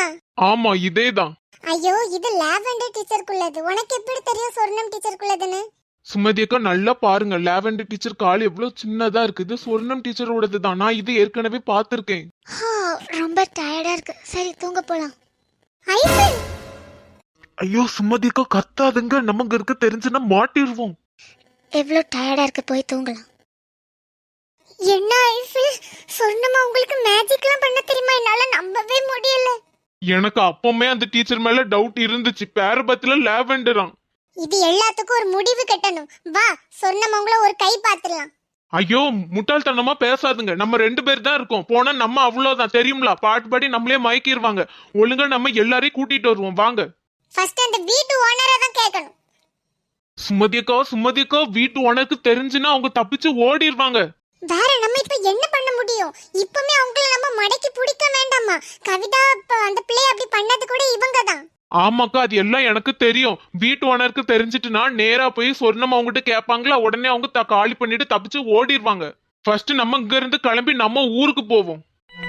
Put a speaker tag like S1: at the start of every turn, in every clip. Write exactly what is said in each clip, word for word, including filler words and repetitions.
S1: தானா?
S2: ஆமா இதேதான்.
S1: ஐயோ இது லாவெண்டர் டீச்சருக்குள்ளது. உனக்கு எப்படி தெரியும் சொர்ணம் டீச்சருக்குள்ளதுன்னு?
S2: சுமதி அக்கா நல்லா பாருங்க, லாவெண்டர் டீச்சர் கால் எவ்வளவு சின்னதா இருக்கு. இது சொர்ணம் டீச்சரோடது தான். நான் இது ஏற்கனவே பார்த்திருக்கேன்.
S1: ரொம்ப டயர்டா இருக்கு. சரி தூங்க போலாம்.
S2: ஐயோ சுமதி அக்கா கத்தாதுங்க, நமக்கு இருக்க தெரிஞ்சுன்னா மாட்டிடுவோம்.
S1: எவ்வளவு டயர்டா இருக்கு, போய் தூங்கலாம். என்ன ஐஃபில், சொர்ணமா உங்களுக்கு மேஜிக்லாம் பண்ண தெரியுமா? என்னால நம்பவே முடியல.
S2: எனக்கு அப்பவுமே அந்த டீச்சர் மேல டவுட் இருந்துச்சு. பேரபத்துல லாவெண்டராம்.
S1: இது எல்லாத்துக்கும் ஒரு முடிவு கட்டணும். வா சொர்ணமா உங்கள ஒரு கை பாத்துறலாம்.
S2: ஐயோ முட்டாள்தனமா பேசாதுங்க. நம்ம ரெண்டு பேர் தான் இருக்கோம். போனா நம்ம அவ்வளவுதான் தெரியுங்களா? பாட்டுப்படி நம்மளே மயக்கிடுவாங்க. ஒழுங்கா நம்ம எல்லாரையும் கூட்டிட்டு வருவோம். வாங்க.
S1: ஃபர்ஸ்ட் அந்த வீட்டு ஓனரை தான் கேட்கணும்.
S2: சுமதியக்கா சுமதியக்கா வீட்டு ஓனருக்கு தெரிஞ்சுன்னா அவங்க தப்பிச்சு ஓடிடுவாங்க.
S1: வேற நம்ம இப்ப என்ன பண்ண முடியும்? இப்பமே அவங்கள நம்ம மடக்கி பிடிக்க வேண்டாமா? கவிதா அந்த பிள்ளை அப்படி பண்ணது கூட இவங்க தான்.
S2: ஆமாக்கா அது எல்லாம் எனக்கு தெரியும். வீட்டு ஓனருக்கு தெரிஞ்சிட்டுனா நேரா போய் சொர்ணம் அவங்ககிட்ட கேட்பாங்களா, உடனே அவங்க காலி பண்ணிட்டு தப்பிச்சு ஓடிடுவாங்க. ஃபர்ஸ்ட் நம்ம இங்க இருந்து கிளம்பி நம்ம ஊருக்கு போவோம்.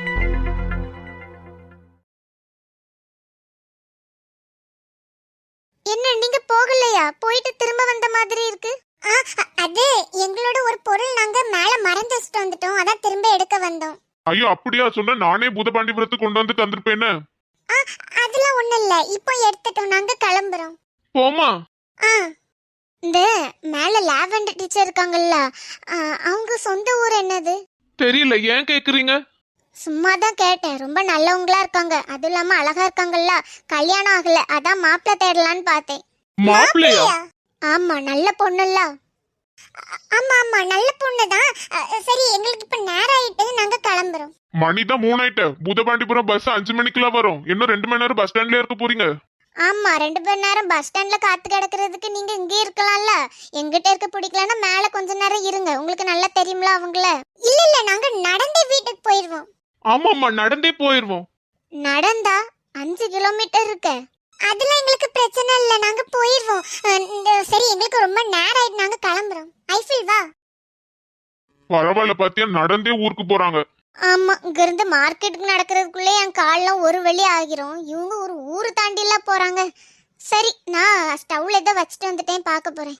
S1: என்ன நீங்க போகலையா? போயிட்டு திரும்ப வந்த மாதிரி இருக்கு. அது எங்களோட ஒரு பொருள் நாங்க மேல மறந்து வச்சுட்டு வந்துட்டோம். அதான் திரும்ப எடுக்க வந்தோம்.
S2: ஐயோ அப்படியா? சொன்னா நானே பூதபாண்டிபுரத்துக்கு கொண்டு வந்து தந்திருப்பேன்னு.
S1: அதெல்லாம் ஒண்ணு இல்ல, இப்போ எடுத்துட்டோம். நாங்க கிளம்புறோம்.
S2: போமா?
S1: இந்த மேல லாவெண்டர் டீச்சர் இருக்காங்கல்ல, அவங்க சொந்த ஊர் என்னது
S2: தெரியல. ஏன் கேக்குறீங்க?
S1: சும்மா தான் கேட்டேன். ரொம்ப நல்லவங்களா இருக்காங்க, அது இல்லாம அழகா இருக்காங்கல்ல. கல்யாணம் ஆகல, அதான் மாப்பிள்ளை தேடலான்னு பார்த்தேன்.
S2: மாப்பிள்ளையா?
S1: ஆமா நல்ல பொண்ணுல்ல. ஆமா ஆமா நல்ல பொண்ணுதான். சரி எங்களுக்கு இப்ப நேரம் ஆயிட்டு, நாங்க கிளம்புறோம்.
S2: மணிதான் மூணாயிட்ட. பூதபாண்டிபுரம் பஸ் அஞ்சு மணிக்குலாம் வரும். இன்னும் ரெண்டு மணி நேரம் பஸ் ஸ்டாண்ட்ல இருக்க போறீங்க.
S1: ஆமா ரெண்டு மணி நேரம் பஸ் ஸ்டாண்ட்ல காத்து கிடக்கிறதுக்கு நீங்க இங்கே இருக்கலாம்ல. எங்கிட்ட இருக்க பிடிக்கலன்னா மேல கொஞ்ச நேரம் இருங்க. உங்களுக்கு நல்லா தெரியும்ல அவங்கள. இல்ல இல்ல நாங்க நடந்தே வீட்டுக்கு போயிருவோம்.
S2: ஆமாமா நடந்தே போயிருவோம்.
S1: நடந்தா அஞ்சு கிலோமீட்டர் இருக்கு. அதெல்லாம் எங்களுக்கு பிரச்சனை இல்ல, நாங்க போயிருவோம். சரி எங்களுக்கு ரொம்ப நேரம் ஆயிட்டு, நாங்க கிளம்புறோம். ஐஃபில் வா.
S2: பரவாயில்ல பாத்தியா, நடந்தே ஊருக்கு போறாங்க.
S1: ஆமா இங்க இருந்து மார்க்கெட்டுக்கு நடக்கிறதுக்குள்ளே என் கால்லாம் ஒரு வழி ஆகிரும். இவங்க ஒரு ஊரு தாண்டிலாம் போறாங்க. சரி நான் ஸ்டவ்ல ஏதோ வச்சுட்டு வந்துட்டேன், பார்க்க போறேன்.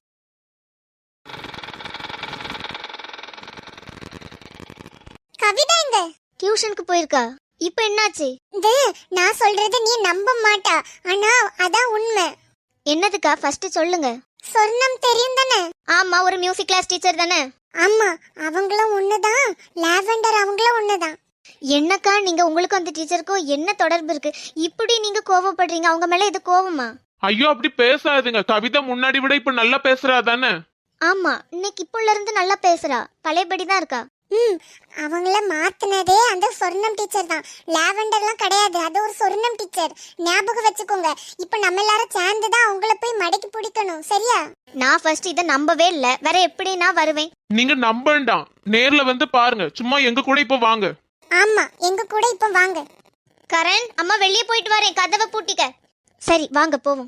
S1: கவிதா எங்க? டியூஷனுக்கு போயிருக்கா. இப்ப என்னாச்சு? நான் சொல்றது நீ நம்ப மாட்டா, ஆனா அதான் உண்மை. என்னதுக்கா ஃபர்ஸ்ட் சொல்லுங்க. சொர்ணம் தெரியும் தானே? ஆமா ஒரு மியூசிக் கிளாஸ் டீச்சர் தானே? ஆமா அவங்களும் ஒண்ணுதான், லாவெண்டர் அவங்களும் ஒண்ணுதான். என்னக்கா நீங்க உங்களுக்கு அந்த டீச்சருக்கும் என்ன தொடர்பு இருக்கு? இப்படி நீங்க கோவப்படுறீங்க, அவங்க மேல இது கோவமா?
S2: ஐயோ அப்படி பேசாதுங்க. கவிதா முன்னாடி விட இப்ப நல்லா பேசுறா தானே?
S1: ஆமா இன்னைக்கு இப்போல இருந்து நல்லா பேசுறா, பழையபடி தான் இருக்கா. ம் அவங்கள மாத்துனதே அந்த சொர்ணம் டீச்சர் தான், லாவெண்டர்லாம் கிடையாது. அது ஒரு சொர்ணம் டீச்சர், ஞாபகம் வச்சுக்கோங்க. இப்போ நம்ம எல்லாரும் சேர்ந்து தான் அவங்கள போய் மடக்கி பிடிக்கணும், சரியா? நான் ஃபர்ஸ்ட் இத நம்பவே இல்ல, வேற எப்படி நான் வருவேன்?
S2: நீங்க நம்ப வேண்டாம், நேர்ல வந்து பாருங்க. சும்மா எங்க கூட இப்ப வாங்க.
S1: ஆமா எங்க கூட இப்ப வாங்க. கரண் அம்மா வெளியே போயிட்டு வரேன், கதவை பூட்டிக்க. சரி வாங்க போவோம்.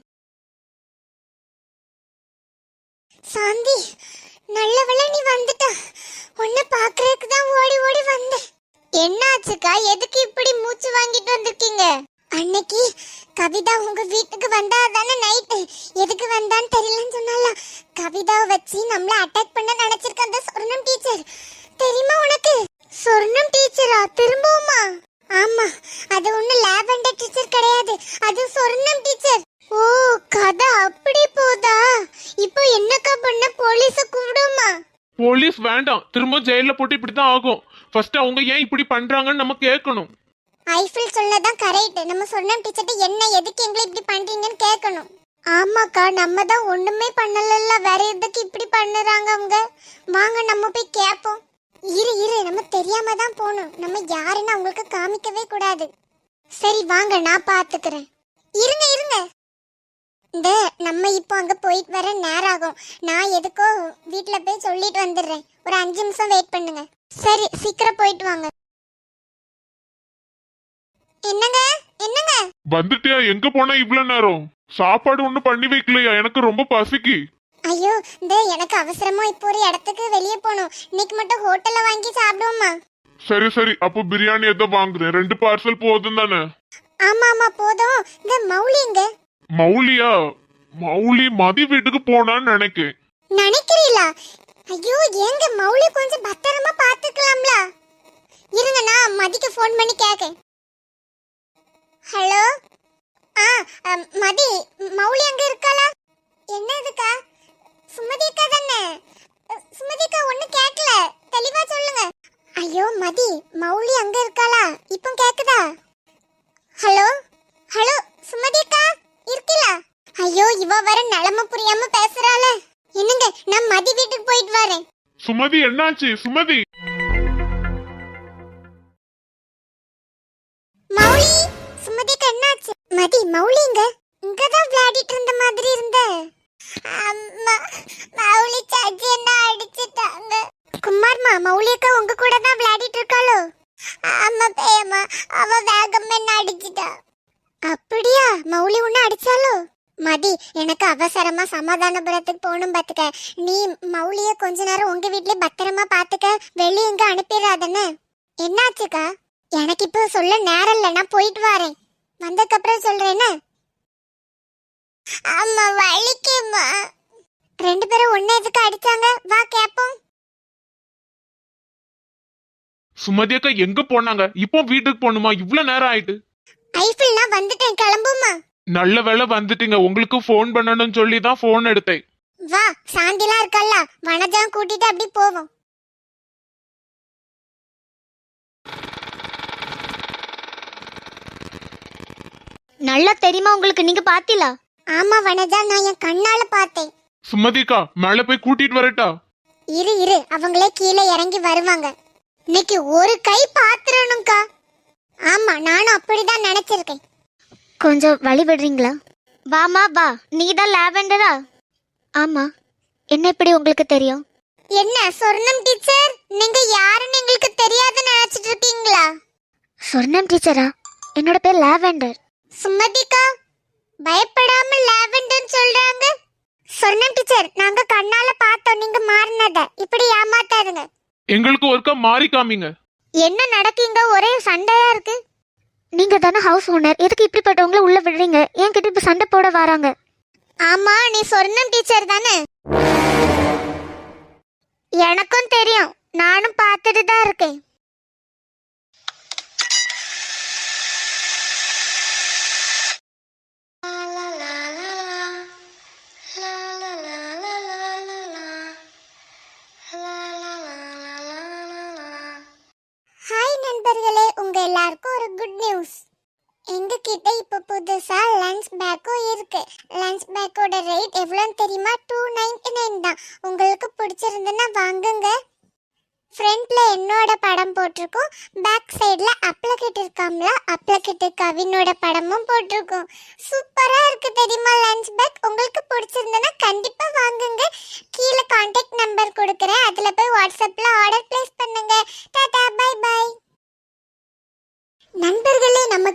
S1: சாந்தி நல்ல வேளை நீ வந்துட்ட. உன்னை பாக்குறதுக்கு தான் ஓடி ஓடி வந்தேன். என்னாச்சுக்கா, எதுக்கு இப்படி மூச்சு வாங்கிட்டு வந்திருக்கீங்க? அன்னைக்கு கவிதா உங்க வீட்டுக்கு வந்தா தானே நைட்டு, எதுக்கு வந்தான்னு தெரியலன்னு சொன்னால. கவிதாவை வச்சு நம்மள அட்டாக் பண்ண நினைச்சிருக்க அந்த சொர்ணம் டீச்சர், தெரியுமா உனக்கு? சொர்ணம் டீச்சரா திரும்பவுமா? ஆமா அது ஒண்ணு லாவெண்டர் டீச்சர் கிடையாது, அது சொர்ணம் டீச்சர். ஓ கதை அப்படி போதா? இப்போ என்னக்கா பண்ண? போலீஸ கூப்பிடுமா?
S2: போலீஸ் வேண்டாம், திரும்ப ஜெயில போட்டு இப்படிதான் ஆகும். ஃபர்ஸ்ட் அவங்க ஏன் இப்படி பண்றாங்கன்னு நம்ம கேட்கணும்.
S1: ஐஃபில் சொன்னதான் கரெக்ட். நம்ம சொர்ணம் டீச்சர்ட்ட என்ன எதுக்கு எங்களை இப்படி பண்றீங்கன்னு கேட்கணும். ஆமாக்கா நம்ம தான் ஒண்ணுமே பண்ணலல்ல, வேற எதுக்கு இப்படி பண்ணுறாங்க அவங்க? வாங்க நம்ம போய் கேட்போம். இரு இரு நம்ம தெரியாம தான் போகணும், நம்ம யாருன்னு அவங்களுக்கு காமிக்கவே கூடாது. சரி வாங்க நான் பாத்துக்கிறேன். இருங்க இருங்க, இந்த நம்ம இப்போ அங்க போயிட்டு வர நேரம் ஆகும். நான் எதுக்கோ வீட்டுல போய் சொல்லிட்டு வந்துடுறேன், ஒரு அஞ்சு நிமிஷம் வெயிட் பண்ணுங்க. சரி சீக்கிரம் போயிட்டு வாங்க. என்னங்க என்னங்க
S2: வந்துட்டியா? எங்க போனா இவ்வளவு நேரம்? சாப்பாடு ஒண்ணு பண்ணி வைக்கலையா? எனக்கு ரொம்ப பசிக்கு.
S1: ஐயோ இந்த எனக்கு அவசரமா இப்போ ஒரு இடத்துக்கு வெளியே போகணும். இன்னைக்கு மட்டும் ஹோட்டல்ல வாங்கி சாப்பிடுவோமா?
S2: சரி சரி அப்போ பிரியாணி ஏதோ வாங்குறேன். ரெண்டு பார்சல் போதும் தானே?
S1: ஆமா ஆமா போதும். இந்த மௌலி எங்க?
S2: மௌலியா? மௌலி மதி வீட்டுக்கு போனான்னு நினைக்கிறேன்.
S1: நினைக்கிறீங்களா? ஐயோ ஏங்க மௌலி கொஞ்சம் பத்திரமா பாத்துக்கலாம்ல. இருங்க நான் மதிக்கு ஃபோன் பண்ணி கேக்கேன். ஹலோ. ஆ அம், மதி மௌலி அங்க இருக்காளா? என்னதுக்கா? சுமதி அக்கா தானே? அ, சுமதி அக்கா ஒண்ணு கேட்கல, தெளிவா சொல்லுங்க. ஐயோ மதி மௌலி அங்க இருக்காளா? இப்போ கேக்குதா? ஹலோ ஹலோ சுமதி அக்கா இருக்கீங்களா? ஐயோ இவ வர நிலம புரியாம பேசுறாளே. என்னங்க நான் மதி வீட்டுக்கு போயிட்டு வரேன்.
S2: சுமதி என்னாச்சு? சுமதி
S1: மௌலி சுமதிக்கு என்னாச்சு? மதி மௌலிங்க இங்கதான் விளையாடிட்டு இருந்த மாதிரி இருந்த. அம்மா மௌலி சாச்சி என்ன அடிச்சிட்டாங்க. குமார்மா மௌலி அக்கா உங்க கூட தான் விளையாடிட்டு இருக்காளோ? ஆமா பேயம்மா, அவ வேகம் என்ன அடிச்சிட்டா. அப்படியா? மௌலி உன்ன அடிச்சாலோ? மதி எனக்கு அவசரமா சமாதானபுரத்துக்கு போகணும் பாத்துக்க. நீ மௌலிய கொஞ்ச நேரம் உங்க வீட்லயே பத்திரமா பாத்துக்க, வெளிய எங்க அனுப்பிடாதன்னு. என்னாச்சுக்கா? எனக்கு இப்போ சொல்ல நேரம் இல்ல, நான் போயிட்டு வரேன். வந்ததுக்கு அப்புறம் சொல்றேன்னு. அம்மா வலிக்குமா? ரெண்டு பேரும் ஒண்ணு எதுக்கு அடிச்சாங்க? வா கேப்போம்.
S2: சுமதி அக்கா எங்க போனாங்க? இப்போ வீட்டுக்கு போகணுமா? இவ்வளவு நேரம் ஆயிட்டு.
S1: ஐஃபில் நான் வந்துட்டேன், கிளம்புமா.
S2: நல்ல வேளை வந்துட்டீங்க. உங்களுக்கு ஃபோன் பண்ணணும்னு சொல்லி தான் ஃபோன் எடுத்தேன்.
S1: வா சாந்திலாம் இருக்கல்ல, வனஜாம் கூட்டிட்டு அப்படி போவோம்.
S3: நல்லா தெரியுமா உங்களுக்கு? நீங்க பாத்தீங்களா?
S1: ஆமா வனஜா, நான் என் கண்ணால பார்த்தேன்.
S2: சுமதிக்கா மேல போய் கூட்டிட்டு வரட்டா?
S1: இரு இரு, அவங்களே கீழே இறங்கி வருவாங்க. இன்னைக்கு ஒரு கை பாத்துறணும்க்கா. ஆமா நானும் அப்படிதான் நினைச்சிருக்கேன்.
S3: கொஞ்சம் வழி விடுறீங்களா? வாமா வா. நீ தான் லாவெண்டரா? ஆமா. என்ன இப்படி உங்களுக்கு தெரியும்?
S1: என்ன சொர்ணம் டீச்சர், நீங்க யாருன்னு எங்களுக்கு தெரியாதுன்னு நினைச்சிட்டு இருக்கீங்களா?
S3: சொர்ணம் டீச்சரா? என்னோட பேர் லாவெண்டர்.
S1: சுமதிக்கா பயப்படாம லாவெண்டர்னு சொல்றாங்க. சொர்ணம் டீச்சர் நாங்க கண்ணால பார்த்தோம் நீங்க மாறினத. இப்படி ஏமாத்தாதுங்க.
S2: எங்களுக்கு ஒருக்கா மாறி காமிங்க.
S1: என்ன நடக்குங்க? ஒரே சண்டையா இருக்கு.
S3: நீங்க தானே ஹவுஸ் ஓனர், எதுக்கு இப்படிப்பட்டவங்கள உள்ள விடுறீங்க? ஏன் கிட்ட இப்ப சண்டை போட வராங்க?
S1: ஆமா நீ சொர்ணம் டீச்சர் தானே? எனக்கும் தெரியும், நானும் பார்த்துட்டு தான் இருக்கேன். ஹாய் நண்பர்களே, உங்க எல்லாருக்கும் ஒரு குட் நியூஸ். எங்க கிட்ட இப்ப புதுசா லஞ்ச் பேக்கும் இருக்கு. லஞ்ச் பேக்கோட ரேட் எவ்வளோன்னு தெரியுமா? டூ நைன்டி நைன் தான். உங்களுக்கு பிடிச்சிருந்துன்னா வாங்குங்க. ஃப்ரண்ட்ல என்னோட படம் போட்டிருக்கோம், பேக் சைட்ல அப்ளகிட் இருக்காம்ல, அப்ளகிட் கவினோட படமும் போட்டிருக்கோம். சூப்பரா இருக்கு தெரியுமா லஞ்ச் பேக். உங்களுக்கு பிடிச்சிருந்தனா கண்டிப்பா வாங்குங்க. கீழே கான்டாக்ட் நம்பர் கொடுக்குறேன், அதுல போய் வாட்ஸ்அப்ல ஆர்டர் பிளேஸ் பண்ணுங்க. Tata bye bye. நண்பர்களே, நம்ம